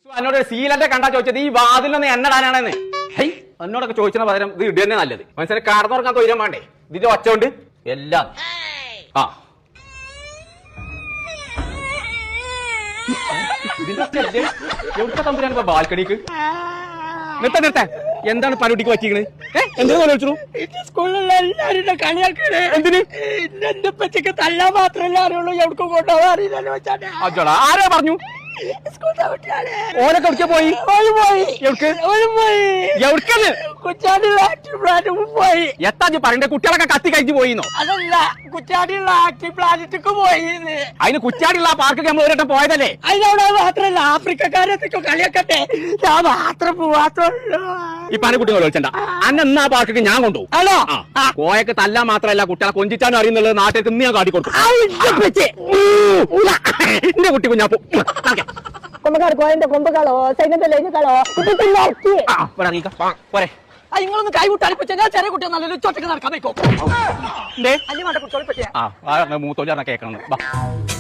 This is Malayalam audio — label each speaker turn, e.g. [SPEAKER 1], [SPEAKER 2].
[SPEAKER 1] എന്നോട് സീലന്റെ കണ്ടാ ചോദിച്ചത് ഈ വാതിലൊന്ന് എണ്ണടാനാണെന്ന്. ഹൈ എന്നോടൊക്കെ ചോദിച്ചതിന് പകരം ഇത് ഇട തന്നെ നല്ലത്. മനസ്സിലായി കാർന്നുറക്കാൻ തൊയിരം വേണ്ടേ? ഇതിന്റെ ഒച്ച കൊണ്ട് എല്ലാം ആ എവിടെ തമ്പുരാനിപ്പോ ബാൽക്കണിക്ക് നിർത്ത എന്താണ് പനുട്ടിക്ക് പറ്റിക്കണ്? എന്തിനു വിളിച്ചു?
[SPEAKER 2] സ്കൂളിലുള്ള എല്ലാവരും കളിയാക്കണേ.
[SPEAKER 1] എന്തിന്?
[SPEAKER 2] എന്റെ പച്ചക്ക് തല്ലാൻ മാത്രമല്ല അറിയുള്ളൂ, എവിടേക്കും കൊണ്ടുപോകാൻ അറിയില്ലല്ലോ.
[SPEAKER 1] അജോടാ ആരാ പറഞ്ഞു? ഓനൊക്കെ എവിടേക്കാ പോയി?
[SPEAKER 2] പോയി.
[SPEAKER 1] എത്താ പറയണ്ടേ? കുട്ടികളൊക്കെ കത്തി കഴിച്ചു പോയിന്നോ?
[SPEAKER 2] അതല്ല, കുറ്റാടിയുള്ള ആക്റ്റീവ് പ്ലാനറ്റിക്ക് പോയി.
[SPEAKER 1] അതിന് കുറ്റാടിയുള്ള ആ പാർക്ക് നമ്മൾ ഒരു വട്ടം പോയതല്ലേ?
[SPEAKER 2] അതിനവിടെ മാത്രല്ല, ആഫ്രിക്കക്കാരത്തേക്കോ കളിയാക്കട്ടെ, ഞാൻ മാത്രം പോവാത്തുള്ളൂ.
[SPEAKER 1] ഈ പനക്കുട്ടികൾ വിളിച്ചണ്ട അന്നാ പാർക്ക് ഞാൻ കൊണ്ടുപോകും.
[SPEAKER 2] ആണോ?
[SPEAKER 1] കോയൊക്കെ തല്ലാൻ മാത്രമല്ല കുട്ടികളെ കൊഞ്ചിച്ചാനും അറിയുന്നുള്ളത് നാട്ടിലേക്ക് ഇന്ന് ഞാൻ കാട്ടിക്കൊടുക്കും. എന്റെ കുട്ടി കുഞ്ഞാപ്പോ
[SPEAKER 2] കൊമ്പക്കാർ കോയന്റെ കൊമ്പുകളോ സൈന്യത്തിലെ
[SPEAKER 1] പോരെ.
[SPEAKER 2] നിങ്ങളൊന്ന് കൈവിട്ട് അടിപ്പിച്ച ഞാൻ ചെറിയ കുട്ടിയെ നല്ലൊരു ചോട്ടക്ക് നടക്കാൻ വെക്കോ.
[SPEAKER 1] മൂത്തോലി കേൾക്കണം.